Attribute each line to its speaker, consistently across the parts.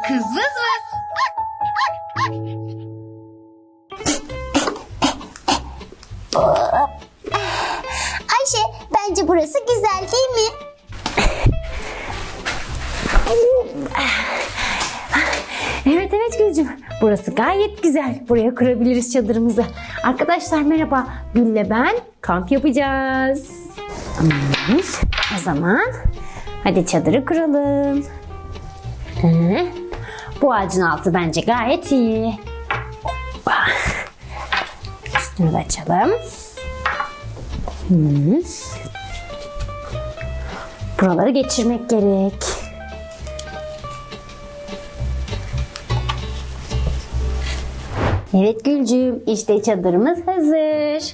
Speaker 1: Kız vız vız.
Speaker 2: Ayşe, bence burası güzel değil mi?
Speaker 1: Evet evet Gülcüm. Burası gayet güzel. Buraya kurabiliriz çadırımızı. Arkadaşlar merhaba. Gül'le ben kamp yapacağız. O zaman hadi çadırı kuralım. Bu ağacın altı bence gayet iyi. Üstünü de açalım. Buraları geçirmek gerek. Evet Gülcüğüm, işte çadırımız hazır.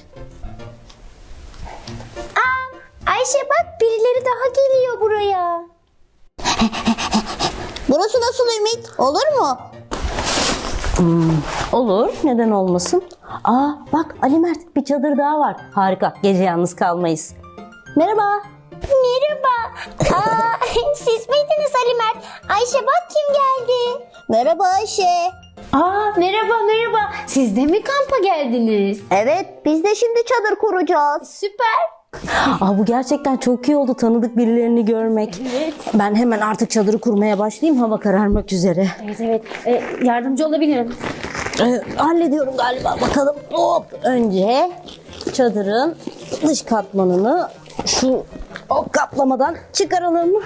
Speaker 2: Ayşe bak, birileri daha geliyor buraya. Burası nasıl Ümit? Olur mu?
Speaker 3: Olur, neden olmasın? Aa bak Ali Mert, bir çadır daha var. Harika, gece yalnız kalmayız. Merhaba.
Speaker 2: Merhaba. Siz miydiniz Ali Mert? Ayşe bak kim geldi. Merhaba Ayşe.
Speaker 1: Merhaba. Siz de mi kampa geldiniz?
Speaker 2: Evet, biz de şimdi çadır kuracağız.
Speaker 1: Süper.
Speaker 3: Bu gerçekten çok iyi oldu tanıdık birilerini görmek.
Speaker 1: Evet.
Speaker 3: Ben hemen artık çadırı kurmaya başlayayım, hava kararmak üzere.
Speaker 1: Evet. Yardımcı olabilirim.
Speaker 3: Hallediyorum galiba, bakalım. Hop. Önce çadırın dış katmanını şu kaplamadan çıkaralım.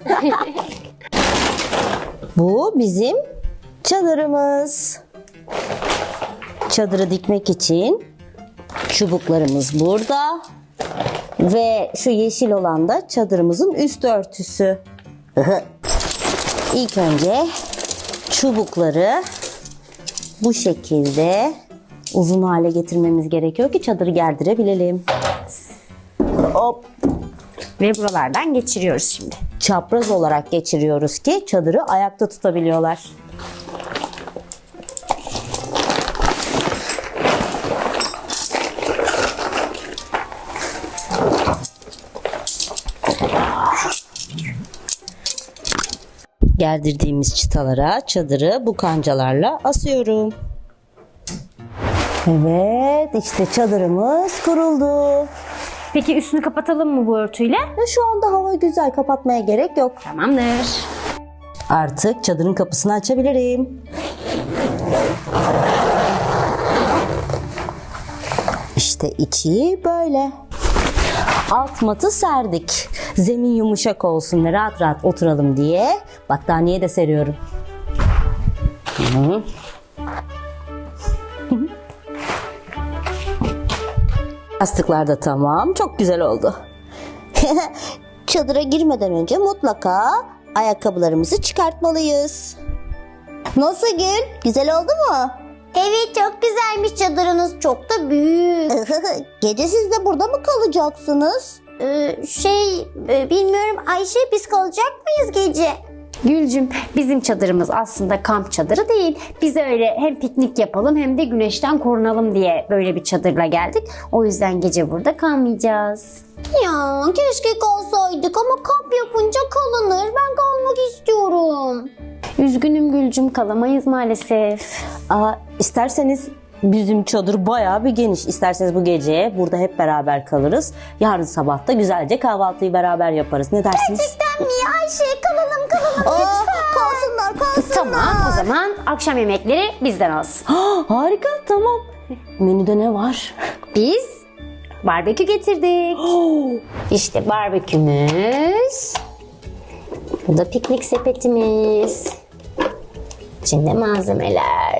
Speaker 3: Bu bizim çadırımız. Çadırı dikmek için çubuklarımız burada. Ve şu yeşil olan da çadırımızın üst örtüsü. İlk önce çubukları bu şekilde uzun hale getirmemiz gerekiyor ki çadırı gerdirebilelim. Hop.
Speaker 1: Ve buralardan geçiriyoruz şimdi.
Speaker 3: Çapraz olarak geçiriyoruz ki çadırı ayakta tutabiliyorlar. Gerdirdiğimiz çıtalara çadırı bu kancalarla asıyorum. Evet, işte çadırımız kuruldu.
Speaker 1: Peki üstünü kapatalım mı bu örtüyle?
Speaker 3: Ve şu anda hava güzel, kapatmaya gerek yok.
Speaker 1: Tamamdır.
Speaker 3: Artık çadırın kapısını açabilirim. İşte içi böyle. Alt matı serdik. Zemin yumuşak olsun ve rahat rahat oturalım diye battaniye de seriyorum. Yastıklar da tamam. Çok güzel oldu.
Speaker 2: Çadıra girmeden önce mutlaka ayakkabılarımızı çıkartmalıyız. Nasıl Gül? Güzel oldu mu? Evet, çok güzelmiş çadırınız. Çok da büyük. Gece siz de burada mı kalacaksınız? Bilmiyorum Ayşe, biz kalacak mıyız gece?
Speaker 1: Gülcüm, bizim çadırımız aslında kamp çadırı değil. Biz öyle hem piknik yapalım hem de güneşten korunalım diye böyle bir çadırla geldik. O yüzden gece burada kalmayacağız.
Speaker 2: Ya keşke kalsaydık ama kamp yapınca kalınır. Ben kalmak istiyorum.
Speaker 1: Üzgünüm Gülcüm, kalamayız maalesef.
Speaker 3: İsterseniz bizim çadır bayağı bir geniş. İsterseniz bu gece burada hep beraber kalırız. Yarın sabah da güzelce kahvaltıyı beraber yaparız. Ne dersiniz?
Speaker 2: Gerçekten mi Ayşe? Kalalım lütfen. Kalsınlar.
Speaker 1: Tamam, o zaman akşam yemekleri bizden olsun.
Speaker 3: Harika, tamam. Menüde ne var?
Speaker 1: Biz barbekü getirdik. İşte barbekümüz. Bu da piknik sepetimiz. İçinde malzemeler.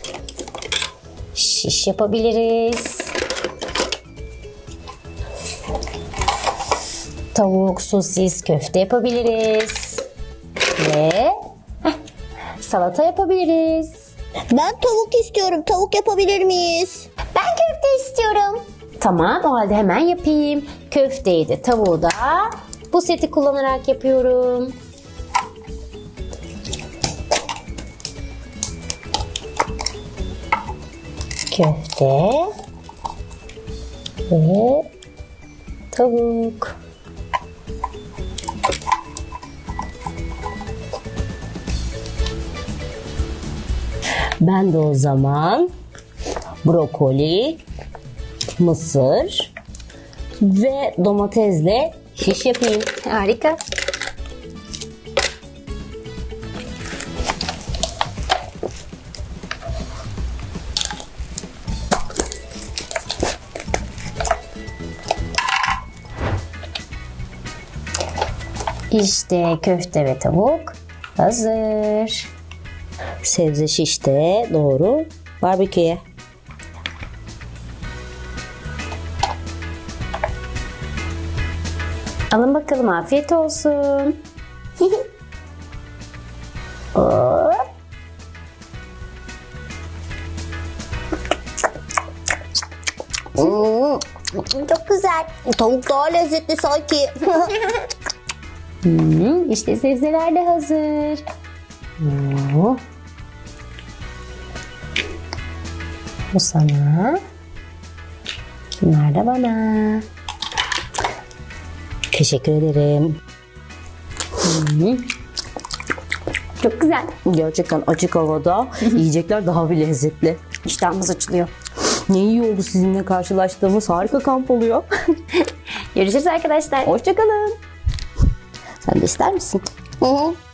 Speaker 1: Şiş yapabiliriz. Tavuk, sosis, köfte yapabiliriz. Ve salata yapabiliriz.
Speaker 2: Ben tavuk istiyorum. Tavuk yapabilir miyiz? Ben köfte istiyorum.
Speaker 1: Tamam, o halde hemen yapayım. Köfteyi de tavuğu da bu seti kullanarak yapıyorum. Köfte ve tavuk.
Speaker 3: Ben de o zaman brokoli, mısır ve domatesle şiş yapayım.
Speaker 1: Harika. İşte köfte ve tavuk hazır.
Speaker 3: Sebze şiş de doğru barbeküye.
Speaker 1: Alın bakalım, afiyet olsun. Hop.
Speaker 2: Çok güzel. Tavuk daha lezzetli sanki.
Speaker 1: İşte sebzeler de hazır.
Speaker 3: Oo. Bu sana. Bunlar da bana. Teşekkür ederim.
Speaker 1: Çok güzel.
Speaker 3: Gerçekten açık havada yiyecekler daha bir lezzetli.
Speaker 1: İştahımız açılıyor.
Speaker 3: Ne iyi oldu sizinle karşılaştığımız, harika kamp oluyor.
Speaker 1: Görüşürüz arkadaşlar.
Speaker 3: Hoşçakalın.
Speaker 2: Sen de ister misin? Hı hı.